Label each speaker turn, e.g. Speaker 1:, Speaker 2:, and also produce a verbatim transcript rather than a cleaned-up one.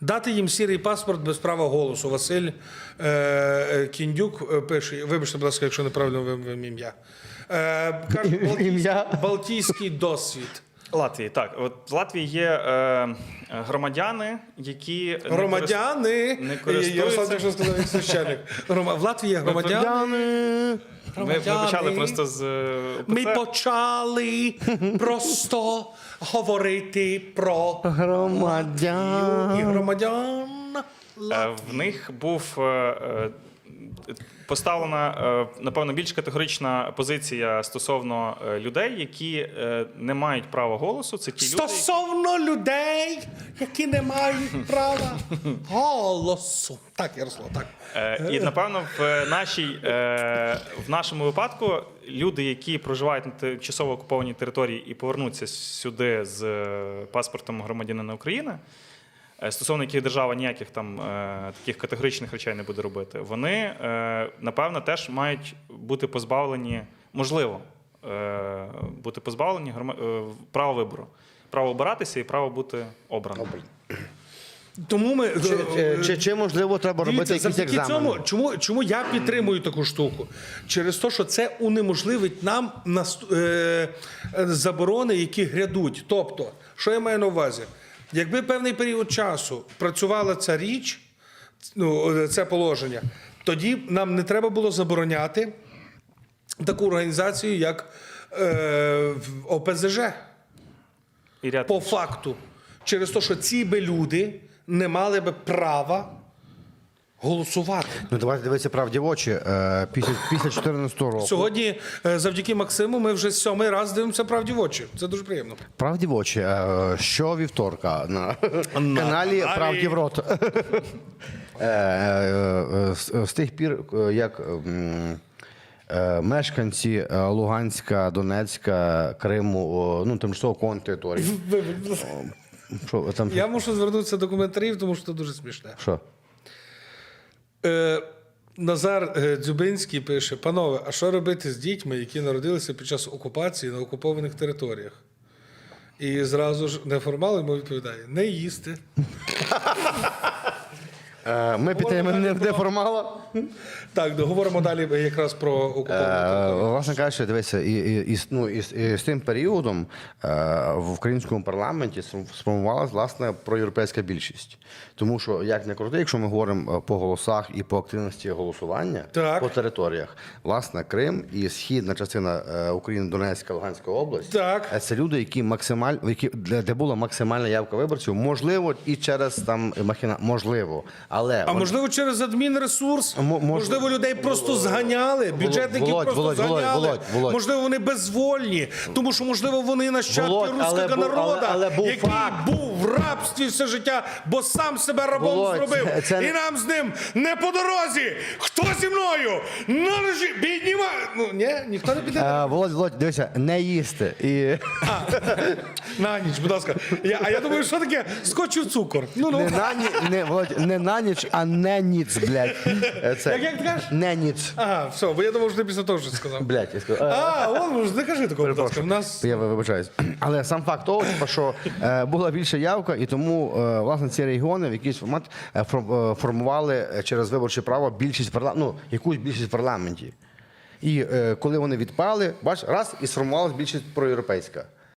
Speaker 1: Дати їм сірий паспорт без права голосу. Василь е, Кіндюк пише, вибачте, будь ласка, якщо неправильно вимовив ім'я. Е, каже, Балтійський, Балтійський досвід.
Speaker 2: Латвії, так. От в Латвії є е, громадяни, які
Speaker 1: Громадяни!
Speaker 2: не користуються...
Speaker 1: Ярослав так що сказав, як священник. В Латвії є громадяни.
Speaker 2: Ми, ми почали просто з
Speaker 1: Ми почали просто говорити про
Speaker 3: Громадян.
Speaker 1: і громадян.
Speaker 2: Е, В них був е, е, поставлена, е, напевно, більш категорична позиція стосовно е, людей, які е, не мають права голосу. Це ті люди,
Speaker 1: Стосовно людей, які не мають права голосу. Так, Ярослав, так.
Speaker 2: Е, І, напевно, в, нашій, е, в нашому випадку люди, які проживають на тимчасово окупованій території і повернуться сюди з е, паспортом громадянина України, е, стосовно яких держава ніяких там е, таких категоричних речей не буде робити, вони, е, напевно, теж мають бути позбавлені, можливо, е, бути позбавлені грома- е, права вибору. Право обиратися і право бути обраним.
Speaker 1: Тому ми
Speaker 3: Чи, чи, чи, чи можливо треба робити
Speaker 1: Дивіться,
Speaker 3: якісь
Speaker 1: завдяки
Speaker 3: екзамени?
Speaker 1: цьому, чому, чому я підтримую таку штуку? Через те, що це унеможливить нам наст... е... заборони, які грядуть. Тобто, що я маю на увазі? Якби певний період часу працювала ця річ, ну, це положення, тоді нам не треба було забороняти таку організацію, як е... О Пе Зе Же.
Speaker 2: І ряд
Speaker 1: По факту. Через те, що ці би люди не мали би права голосувати.
Speaker 3: Ну давайте дивитися правді в очі. Е, Після після чотирнадцятого року.
Speaker 1: Сьогодні, е, завдяки Максиму, ми вже сьомий раз дивимося правді в очі. Це дуже приємно.
Speaker 3: Правді в очі. Е, Що вівторка на каналі Правді в рот. Е, е, е, з- З тих пір, е, як м, е, мешканці е, Луганська, Донецька, Криму, о, ну тимчасово окупованих територій. Що там?
Speaker 1: Я мушу звернутися до коментарів, тому що це дуже смішне.
Speaker 3: Що?
Speaker 1: Е, Назар е, Дзюбинський пише: панове, а що робити з дітьми, які народилися під час окупації на окупованих територіях? І зразу ж неформал йому відповідає: не їсти.
Speaker 3: Е, Ми підтримуємо не- неформала.
Speaker 1: Так, договоримо далі якраз про окуповані
Speaker 3: Е,
Speaker 1: території.
Speaker 3: Власне кажучи, дивися, і, і, і, ну, і, з- і з тим періодом е, в українському парламенті сфор- сформувалась власне проєвропейська більшість. Тому що, як не крути, якщо ми говоримо по голосах і по активності голосування
Speaker 1: Так.
Speaker 3: по територіях, власне, Крим і східна частина е, України, Донецька, Луганська область,
Speaker 1: Так.
Speaker 3: е, це люди, які максималь, які, де, де була максимальна явка виборців, можливо, і через там махіна, можливо. Але
Speaker 1: А
Speaker 3: вони-
Speaker 1: можливо, через адмінресурс?
Speaker 3: Мо- мож-
Speaker 1: Можливо, людей просто зганяли, бюджетників
Speaker 3: Володь,
Speaker 1: просто
Speaker 3: Володь, Володь,
Speaker 1: зганяли.
Speaker 3: Володь, Володь.
Speaker 1: Можливо, вони безвольні, тому що, можливо, вони нащадки
Speaker 3: Володь, але
Speaker 1: руського
Speaker 3: був-
Speaker 1: народу,
Speaker 3: але- але був
Speaker 1: який
Speaker 3: факт.
Speaker 1: був в рабстві все життя, бо сам себе рабом
Speaker 3: Володь,
Speaker 1: зробив.
Speaker 3: це- це не-
Speaker 1: І нам з ним не по дорозі. Хто зі мною? На ножі, піднімай. Ну, ні, ніхто не піде.
Speaker 3: Е, Володь, Володь, дивися, не їсти. І...
Speaker 1: На ніч, будь ласка. Я, а я думаю, що таке? Скочив цукор. Ну, ну.
Speaker 3: Не на, ні, не, Володь, не на ніч, а не ніц, блядь. Е, Це,
Speaker 1: Як- як ти кажеш?
Speaker 3: Не ніц.
Speaker 1: Ага, все, бо я думав, що ти після того щось сказав.
Speaker 3: Блядь, я сказав. Е,
Speaker 1: А, он, не кажи такого, будь ласка. В нас
Speaker 3: Я вибачаюсь. Але сам факт того, типу, що е, була більша явка, і тому е, власне ці регіони в якийсь формат е, фор- е, формували е, через виборче право більшість парла... ну, якусь більшість в парламенті. І е, коли вони відпали, бач, раз і сформувалась більшість проєвропейська.